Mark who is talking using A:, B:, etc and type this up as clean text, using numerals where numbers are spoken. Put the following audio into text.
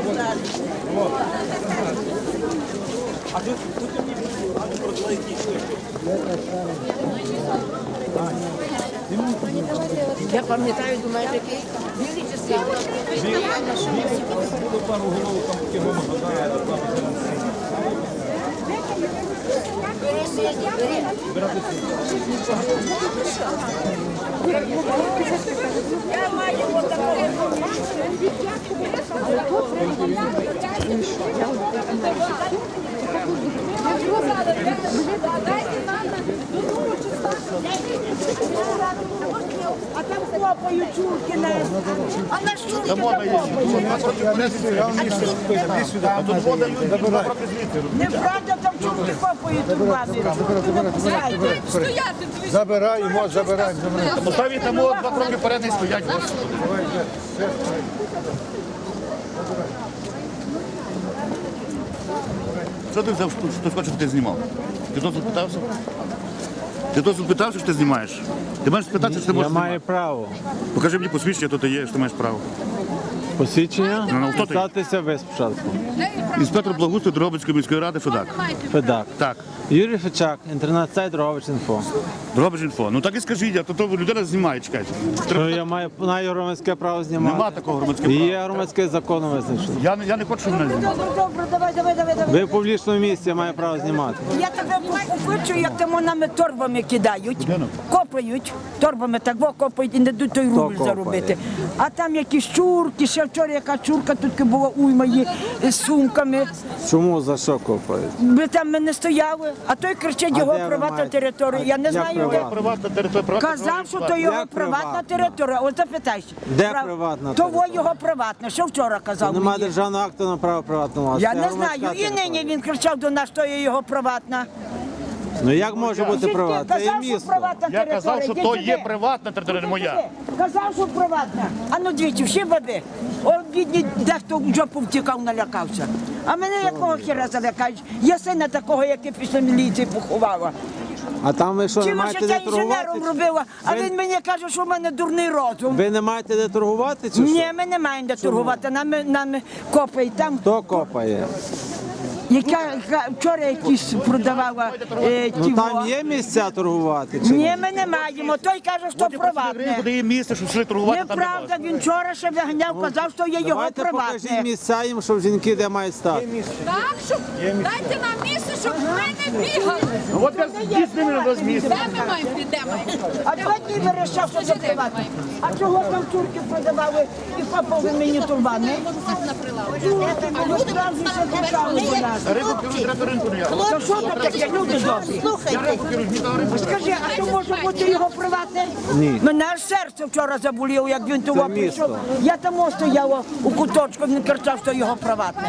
A: Я пам'ятаю, думаю, такий білий чи синій?
B: Було пару головок, там такі громи бажає,
A: Бери синій, бери. Я маю отакого.
C: А там хлопають чурки на... А на що ви неправда, там чурки хлопають у бабі.
D: Забираємо, забираємо.
E: Поставіть там 2 кроки вперед і стоять. Що ти взяв, хто хоче, щоб ти знімав? Ти дозвіл питався? Ти дозвіл питався, що ти знімаєш? Ти маєш спитатися, що ти можеш
D: Я маю
E: знімати.
D: право.
E: Покажи мені посвідчення, то ти є, що ти маєш право.
D: Посвідчення?
E: Ну, хто ти?
D: Статися ви спочатку.
E: Інспектор благоустрою Дрогобицької міської ради Федак.
D: Федак.
E: Так.
D: Юрій Фечак, інтернет-сайт Дрогобич.Інфо.
E: Дрогобич.Інфо. Ну так і скажіть, а то людина знімає, чекайте.
D: Що я маю громадське право знімати?
E: Нема такого громадського
D: І
E: права.
D: є громадське законом визначено.
E: Я не хочу, щоб мене знімали.
C: Добре, давай.
D: Ви в публічному місці, я маю право знімати.
C: Я тебе хочу, як там нами торбами кидають, копають, торбами так копають і не дадуть той рубль
D: копає?
C: заробити. А там якісь чурки, ще вчора яка чурка, тут була уйма є з сумками.
D: Чому, за що копають?
C: Ми там ми не стояли, а той кричить
D: А
C: його
D: де ви
C: приватна
D: маєте?
C: територія. Я не
D: Як
C: знаю, де.
D: приватна?
E: Приватна територія.
C: Казав, що то його
D: Як
C: приватна
D: приватна?
C: територія. От запитайся.
D: Де приватна
C: Того
D: територія?
C: його приватна. Що вчора казав
D: Немає
C: мені?
D: державного акту на право приватного власності.
C: Я
D: Це
C: не
D: громадська
C: знаю. І
D: територія.
C: нині він кричав до нас, що є його приватна.
D: Ну як може бути
C: Жінки,
D: приватна? Це є
C: казав, що
D: місто.
C: приватна
E: Я
C: територія.
E: казав, що
C: Йди
E: то
C: сюди.
E: є приватна територія, не моя.
C: Казав, що приватна. А ну двічі, всі баби. О, бідні, дехто в жопу втікав, налякався. А мене якого хіра залякають? Я сина такого, який після міліції поховала.
D: А там ви що, не
C: Чим
D: маєте
C: життя
D: де
C: інженером
D: торгувати?
C: робила, а
D: Ви-
C: він мені каже, що в мене дурний розум.
D: Ви не маєте де торгувати чи що?
C: Ні, ми не маємо де торгувати, нам копають там.
D: Хто копає?
C: Яка вчора якісь продавала
D: Ну там є місця торгувати чи
C: Ні,
D: ні?
C: ми не маємо. Той каже, що приватне.
E: Куди є місце, щоб йшли торгувати, там не
C: Неправда,
E: можна.
C: він вчора ще виганяв, казав, що є його
D: Давайте покажіть
C: приватне.
D: місця їм, щоб жінки де мають стати.
F: Так, щоб дайте нам місце, щоб ми не бігали.
E: Ну от я з ними на місце.
F: Де ми маємо підемо?
C: А два дні вирішав, що це приватне. А чого там турки продавали і копали мені турбани?
F: На прилавку.
C: Люди справді ще почали до нас.
E: Рибу керують, треба ринку не я.
C: То що там таке, люди добрі? Скажи, а то може бути його приватне?
D: Ні.
C: Мене аж серце вчора заболіло, як він того
D: місто.
C: прийшов. Я там стояла у куточку, він кричав, що його приватне.